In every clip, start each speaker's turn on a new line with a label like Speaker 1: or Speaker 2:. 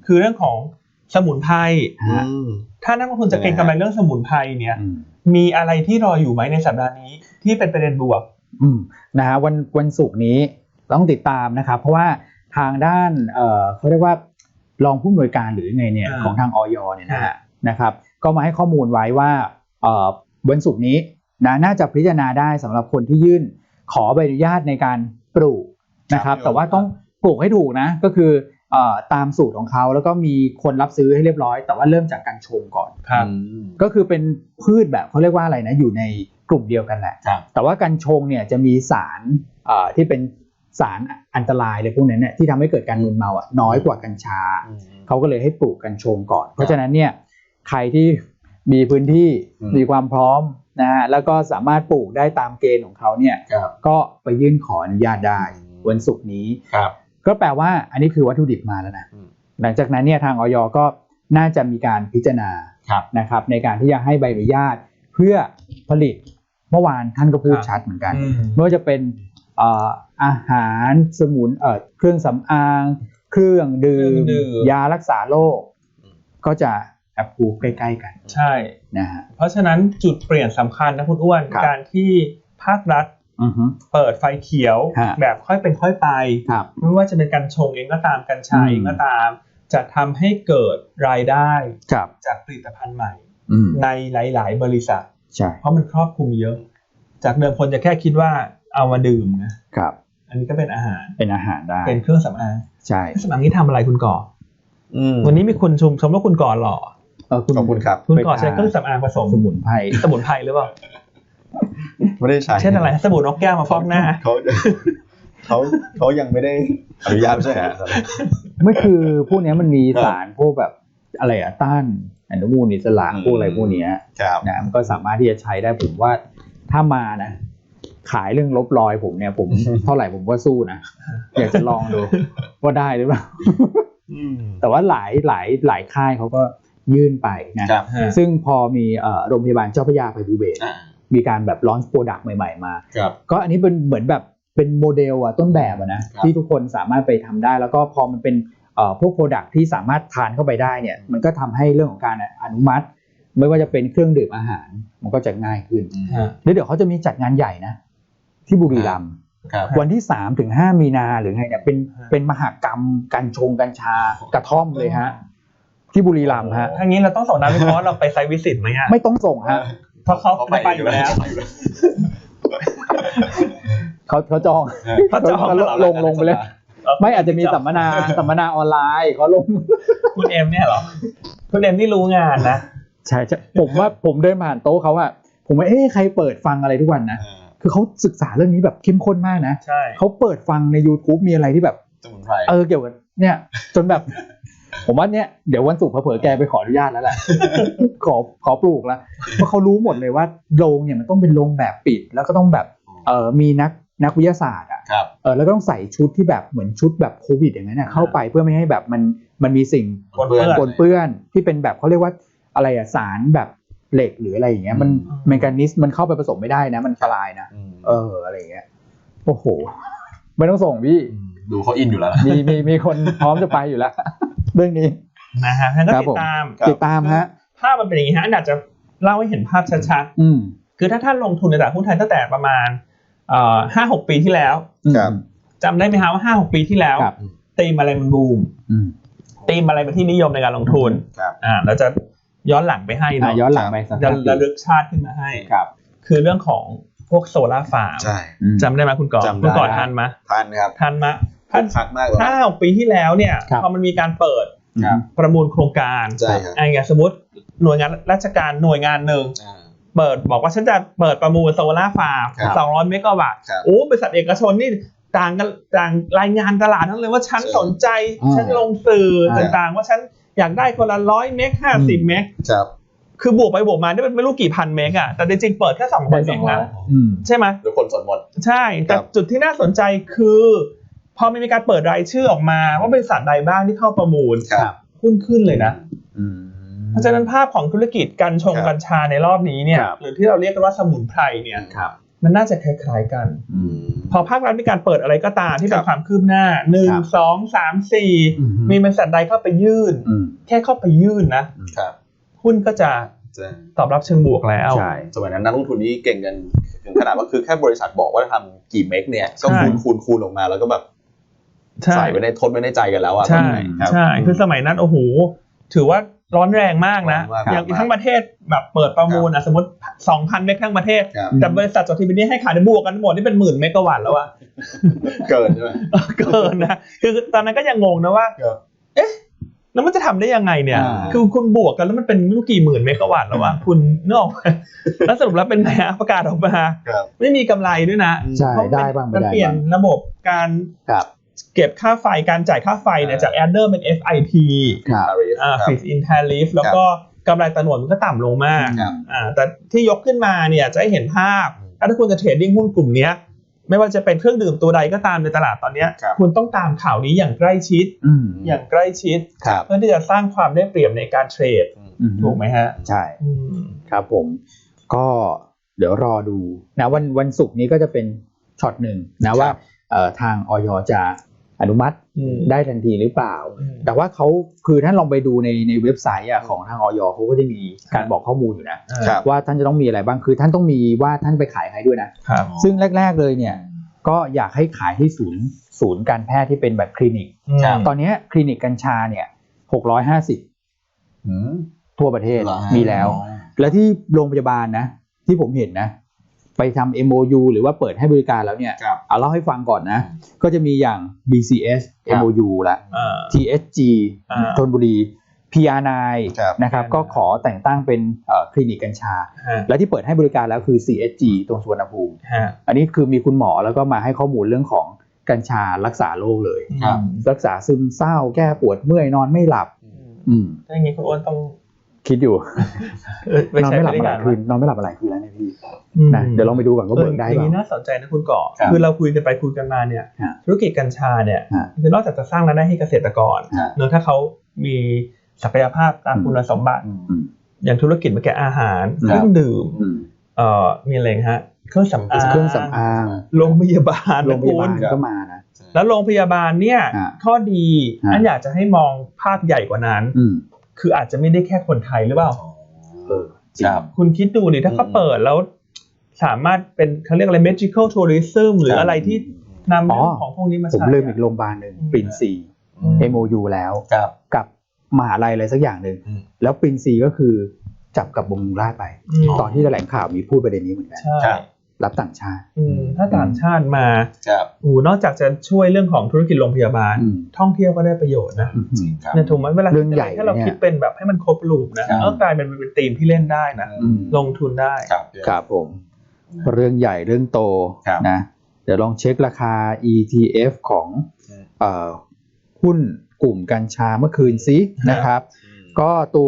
Speaker 1: คือเรื่องของสมุนไพรถ้านักลงทุนจะเก็งกำไรเรื่องสมุนไพรเนี่ยมีอะไรที่รออยู่ไหมในสัปดาห์นี้ที่เป็นประเด็นบวก
Speaker 2: นะฮะวันศุกร์นี้ต้องติดตามนะครับเพราะว่าทางด้านเขาเรียกว่ารองผู้อำนวยการหรือไงเนี่ยของทางอยเนี่ยนะครับก็มาให้ข้อมูลไว้ว่าวันศุกร์นี้น่าจะพิจารณาได้สำหรับคนที่ยื่นขอใบอนุญาตในการปลูกนะครับแต่ว่าต้องปลูกให้ถูกนะก็คือตามสูตรของเขาแล้วก็มีคนรับซื้อให้เรียบร้อยแต่ว่าเริ่มจากการชงก่อนก็คือเป็นพืชแบบเขาเรียกว่าอะไรนะอยู่ในกลุ่มเดียวกันแหละแต่ว่ากัญชงเนี่ยจะมีสารที่เป็นสารอันตรายเลยพวกนั้นเนี่ยที่ทำให้เกิดการมึนเมาน้อยกว่ากัญชาเขาก็เลยให้ปลูกกัญชงก่อนเพราะฉะนั้นเนี่ยใครที่มีพื้นที่มีความพร้อมนะฮะแล้วก็สามารถปลูกได้ตามเกณฑ์ของเขาเนี่ยก็ไปยื่นขออนุญาตได้วันศุกร์นี้ก็แปลว่าอันนี้คือวัตถุดิบมาแล้วนะหลังจากนั้นเนี่ยทางอย.ก็น่าจะมีการพิจารณานะครับในการที่จะให้ใบอนุญาตเพื่อผลิตเมื่อวานท่านก็พูดชัดเหมือนกันไม่ว่าจะเป็นอาหารสมุนเครื่องสำอางเครื่องดื่มยารักษาโรคก็จะแอปพูฟใกล้ๆกัน
Speaker 1: ใช่
Speaker 2: นะฮะ
Speaker 1: เพราะฉะนั้นจุดเปลี่ยนสำคัญนะคุณอ้วนการที่ภาครัฐเปิดไฟเขียวแบบค่อยเป็นค่อยไปไม่ว่าจะเป็นกัญชงเองก็ตามกัญชาเองก็ตามจะทำให้เกิดรายได้จากผลิตภัณฑ์ใหม่ในหลายๆบริษัทเพราะมันครอบคลุมเยอะจากเดิมคนจะแค่คิดว่าเอามาดื่มนะครับอันนี้ก็เป็นอาหาร
Speaker 2: ได้
Speaker 1: เป็นเครื่องสำอาง
Speaker 2: ใช่
Speaker 1: เครื่องสำอางนี้ทำอะไรคุณก่อวันนี้มีคนชมว่าคุณก่อหล่อ
Speaker 3: ขอบคุณครับ
Speaker 1: คุณก่อใช้เครื่องสำอางผสมสมุนไพรหรือเปล่า
Speaker 3: ไม่ได้ใช้
Speaker 1: เช่นอะไรสบู่นกแก้วมาฟอกหน้า
Speaker 3: เขายังไม่ได้อนุญาตใช่ไหม
Speaker 2: ไม่คือพวกนี้มันมีสารพวกแบบอะไรต้านอนุมูลอิสระพวกอะไรพวกนี้นะมันก็สามารถที่จะใช้ได้ผมว่าถ้ามานะขายเรื่องลบรอยผมเนี่ยผมเท่าไหร่ผมก็สู้นะอยากจะลองดูว่าได้หรือเปล่าแต่ว่าหลายค่ายเขาก็ยื่นไปนะซึ่งพอมีโรงพยาบาลเจ้าพระยาภัยภูเบศรมีการแบบลอนช์โปรดักต์ใหม่ๆมาก็อันนี้เป็นเหมือนแบบเป็นโมเดลต้นแบบนะที่ทุกคนสามารถไปทำได้แล้วก็พอมันเป็นพวกโปรดักต์ที่สามารถทานเข้าไปได้เนี่ยมันก็ทำให้เรื่องของการอนุมัติไม่ว่าจะเป็นเครื่องดื่มอาหารมันก็จะง่ายขึ้นแล้วเดี๋ยวเขาจะมีจัดงานใหญ่นะที่บุรีรัมย์วันที่ 3-5 มีนาหรือไงเนี่ยเป็นมหกรรมกัญชากระท่อมเลยฮะที่บุรีรัมย์ฮะ
Speaker 1: ทางนี้เราต้องส่งนักวิเคราะห์เราไปไซต์วิสิตมั้ย
Speaker 2: ไม่ต้องส่งฮะ
Speaker 1: เพราะเขาไปอยู่แล้ว
Speaker 2: เขาจองลงไปเลยไม่อาจจะมีสัมมนาออนไลน์เขาลง
Speaker 1: คุณเอ็มเนี่ยเหรอคุณเอ็มนี่รู้งานนะ
Speaker 2: ใช่ผมว่าผมเดินผ่านโต๊ะเขาอะผมว่าใครเปิดฟังอะไรทุกวันนะคือเขาศึกษาเรื่องนี้แบบเข้มข้นมากนะเขาเปิดฟังใน YouTube มีอะไรที่แบบ
Speaker 3: สมุนไพร
Speaker 2: เกี่ยวกับเนี่ยจนแบบผมว่าเนี่ยเดี๋ยววันศุกร์เผลอๆแกไปขออนุญาตแล้วแหละขอปลูกแล้วเพราะเขารู้หมดเลยว่าโรงเนี่ยมันต้องเป็นโรงแบบปิดแล้วก็ต้องแบบมีนักวิทยาศาสตร์แล้วก็ต้องใส่ชุดที่แบบเหมือนชุดแบบโควิดอย่างนั้นเข้าไปเพื่อไม่ให้แบบมันมีสิ่งปนเปื้อนที่เป็นแบบเขาเรียกว่าอะไรสารแบบเหล็กหรืออะไรอย่างเงี้ยมันเมคานิสมันเข้าไปผสมไม่ได้นะมันอันตรายนะอะไรอย่างเงี้ยโอ้โหไม่ต้องส่งพี่
Speaker 3: ดูเขาอินอยู่แล้ว
Speaker 2: มีคนพร้อมจะไปอยู่แล้วเรื่องนี้
Speaker 1: นะฮะงั้นก็
Speaker 2: ติดตามฮะ
Speaker 1: ภาพมันเป็นอย่างนี้ฮะอาจจะเล่าให้เห็นภาพชัดๆคือถ้าท่านลงทุนในตลาดหุ้นไทยตั้งแต่ประมาณ5-6 ปีที่แล้วจำได้ไหมฮะว่า 5-6 ปีที่แล้วธีมอะไรมันบูมธีมอะไรเป็นที่นิยมในการลงทุนเราจะย้อนหลังไปให้เนาะ
Speaker 2: ย้อนหลังไป
Speaker 1: ระลึกชาติขึ้นมาให้คือเรื่องของพวกโซล่าฟาร์มจำได้ไหมคุณก่อทันไหม
Speaker 3: ทันครับ
Speaker 1: ทันไหมท่าน5-6 ปีที่แล้วเนี่ยพอมันมีการเปิดประมูลโครงการอย่างสมมติหน่วยงานราชการหน่วยงานหนึ่งเปิดบอกว่าฉันจะเปิดประมูลโซล่าฟาร์ม200 เมกะวัตต์บริษัทเอกชนนี่ต่างรายงานตลาดทั้งเลยว่าฉันสนใจฉันลงสื่อต่างๆว่าฉันอยากได้คนละ100 เมก50 เมกคือบวกไปบวกมาได้ไม่รู้กี่พันเมกอะแต่จริงๆเปิดแค่200 เมกนะใช่ไหม
Speaker 3: ทุกคนสนหมด
Speaker 1: ใช่แต่จุดที่น่าสนใจคือพอมีการเปิดรายชื่อออกมาว่าบริษัทใดบ้างที่เข้าประมูลหุ้นขึ้นเลยนะเพราะฉะนั้นภาพของธุรกิจกัญชาในรอบนี้เนี่ยหรือที่เราเรียกกันว่าสมุนไพรเนี่ยมันน่าจะคล้ายๆกันพอภาครัฐมีการเปิดอะไรก็ตามที่เป็นความคืบหน้า1 2 3 4มีบริษัทใดเข้าไปยื่นแค่เข้าไปยื่นนะหุ้นก็จะตอบรับเชิงบวกแล้ว
Speaker 3: ใช่สมัยนั้นนักลงทุนนี่เก่งกันถึงขนาดว่าคือแค่บริษัทบอกว่าทำกี่เมกเนี่ยก็คูณออกมาแล้วก็แบบใส่ไว้ในทดไว้ในใจกันแล้วอ่ะ
Speaker 1: ใช่คือสมัยนั้นโอ้โหถือว่าร้อนแรงมากนะอย่างทั้งประเทศแบบเปิดประมูลสมมติ 2,000 เมกทั้งประเทศแต่บริษัทจดทะเบียนนี่ให้ขายในบวกกันหมดนี่เป็นหมื่นเมกะวัตต์แล้วอะ
Speaker 3: เกินใช่ไหม
Speaker 1: เกินนะคือตอนนั้นก็ยังงงนะว่าเอ๊ะแล้วมันจะทำได้ยังไงเนี่ยคือคุณบวกกันแล้วมันเป็นไม่รู้กี่หมื่นเมกะวัตต์แล้ววะคุณนึกออกแล้วสรุปแล้วเป็นไงประกาศออกมาไม่มีกำไรด้วยนะ
Speaker 2: ใช่ได้บ้างไม่ได้
Speaker 1: เปลี่ยนระบบการเก็บค่าไฟการจ่ายค่าไฟเนี่ยจาก adder เป็น FIT Fixed in Tariff แล้วก็กำไรต่อหน่วยมันก็ต่ำลงมากแต่ที่ยกขึ้นมาเนี่ยจะให้เห็นภาพถ้าคุณจะเทรดดิ้งหุ้นกลุ่มนี้ไม่ว่าจะเป็นเครื่องดื่มตัวใดก็ตามในตลาดตอนนี้คุณต้องตามข่าวนี้อย่างใกล้ชิดอย่างใกล้ชิดเพื่อที่จะสร้างความได้เปรียบในการเทรดถูกไหมฮะ
Speaker 2: ใช่ครับผมก็เดี๋ยวรอดูนะวันศุกร์นี้ก็จะเป็นช็อตหนึ่งนะว่าทางอย.จะอนุมัติได้ทันทีหรือเปล่าแต่ว่าเขาคือท่านลองไปดูในเว็บไซต์ของทางอย.เขาก็จะมีการบอกข้อมูลอยู่นะว่าท่านจะต้องมีอะไรบ้างคือท่านต้องมีว่าท่านไปขายใครด้วยนะซึ่งแรกๆเลยเนี่ยก็อยากให้ขายที่ศูนย์การแพทย์ที่เป็นแบบคลินิกตอนนี้คลินิกกัญชาเนี่ย650ทั่วประเทศมีแล้วและที่โรงพยาบาลนะที่ผมเห็นนะไปทำ MOU หรือว่าเปิดให้บริการแล้วเนี่ยเอาเล่าให้ฟังก่อนนะก็จะมีอย่าง BCS MOU ละ TSG ธนบุรี PR9 นะครับก็ขอแต่งตั้งเป็นคลินิกกัญชาและที่เปิดให้บริการแล้วคือ CSG ตรงสุวรรณภูมิอันนี้คือมีคุณหมอแล้วก็มาให้ข้อมูลเรื่องของกัญชารักษาโรคเลยรักษาซึมเศร้าแก้ปวดเมื่อยนอนไม่หลับ
Speaker 1: ถ้าอย่างนี้คุณอ้วนต้อง
Speaker 2: คิดอยู่นอนไม่หลับอะไรคืนนอนไม่หลับอะไรคืนแล้วเนี่ยพี่นะเดี๋ยวลองไปดูก่อนว่าเบิกได้ป่ะ
Speaker 1: อย่างนี้น่าสนใจนะคุณก่อคือเราคุยกันไปคุยกันมาเนี่ยธุรกิจกัญชาเนี่ยคือนอกจากจะสร้างรายได้ให้เกษตรกรเนื่องถ้าเขามีศักยภาพตามคุณสมบัติอย่างธุรกิจเมื่อกี้อาหารเครื่องดื่มมีอะไรฮะเครื่องสำอางโรงพยาบาล
Speaker 2: ก็มานะ
Speaker 1: แล้วโรงพยาบาลเนี่ยข้อดีอันอยากจะให้มองภาพใหญ่กว่านั้นคืออาจจะไม่ได้แค่คนไทยหรือเปล่าคุณคิดดูดิถ้าเขาเปิดแล้วสามารถเป็นเขาเรียกอะไร medical tourism หรืออะไรที่นำเรื่องของพวกนี้มาใช้
Speaker 2: ผมลืมอีกโรงพยาบาลหนึ่งปรินซี MOU แล้วกับมหาลัยอะไรสักอย่างหนึ่งแล้วปรินซีก็คือจับกับบำรุงราษฎร์ไปตอนที่แถลงข่าวมีพูดประเด็นนี้เหมือนกันรับต่างชาติ
Speaker 1: ถ้าต่างชาติมานอกจากจะช่วยเรื่องของธุรกิจโรงพยาบาลท่องเที่ยวก็ได้ประโยชน์นะเนี่ยถูกไหมเวลาถ้าเราคิดเป็นแบบให้มันครบรูปนะกลายเป็นธีมที่เล่นได้นะลงทุนได้
Speaker 2: ครับผมเรื่องใหญ่เรื่องโตนะเดี๋ยวลองเช็คราคา ETF ของหุ้นกลุ่มกัญชาเมื่อคืนซินะครับก็ตัว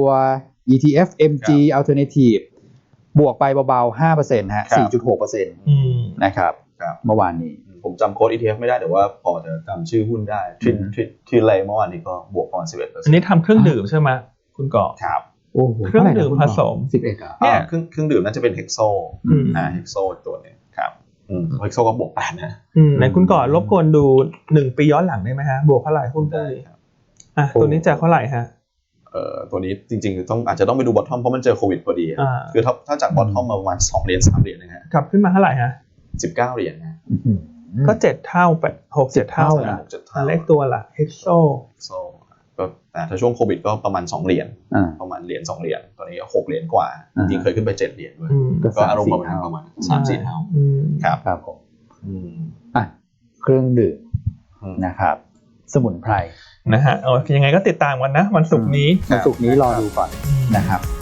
Speaker 2: ETF MG Alternativeบวกไปเบาๆ 5% ฮะ 4.6% นะครับเมื่อวานนี้
Speaker 3: ผมจำโค้ด ETF ไม่ได้แต่ว่าพอจะจำชื่อหุ้นได้ที่ไรเมื่อวานนี้ก็บวกประมาณ 11%
Speaker 1: อันนี้ทำเครื่องดื่มใช่ไหมคุณก่อ
Speaker 3: ครับ
Speaker 1: โอ้โหเครื่องดื่มผสม
Speaker 2: 11 อ่ะ
Speaker 3: เนี่ยเครื่องดื่มน่าจะเป็น Hexo Hexo ตัวนึงครับHexo ก็บวก 8 นะ
Speaker 1: ไหนคุณก่อรบกวนดู1ปีย้อนหลังได้ไหมฮะบวกเท่าไหร่หุ้นได้ตัวนี้จะเท่าไหร่ฮะ
Speaker 3: ตัวนี้จริงๆอาจจะต้องไปดูบอททอมเพราะมันเจอโควิดพอดีคือถ้าจากบอททอมมาประมาณ2เหรียญ3เหรียญนะฮะ
Speaker 1: กลับขึ้นมาเท่าไหร่ฮะ
Speaker 3: 19เหรียญนะ
Speaker 1: ก็7เท่า6-7เท่านะเลขตัวละHexo
Speaker 3: ก็ถ้าช่วงโควิดก็ประมาณ2เหรียญประมาณเหรียญ2เหรียญตอนนี้6เหรียญกว่าจริงๆเคยขึ้นไป7เหรียญด้วยก็อารมณ์ประมาณ 3-4 เท่า
Speaker 2: ครับผมเครื่องดื่มนะครับสมุนไพร
Speaker 1: นะฮะยังไงก็ติดตามกันนะวันศุกร์นี้
Speaker 2: รอดูก่อนนะครับ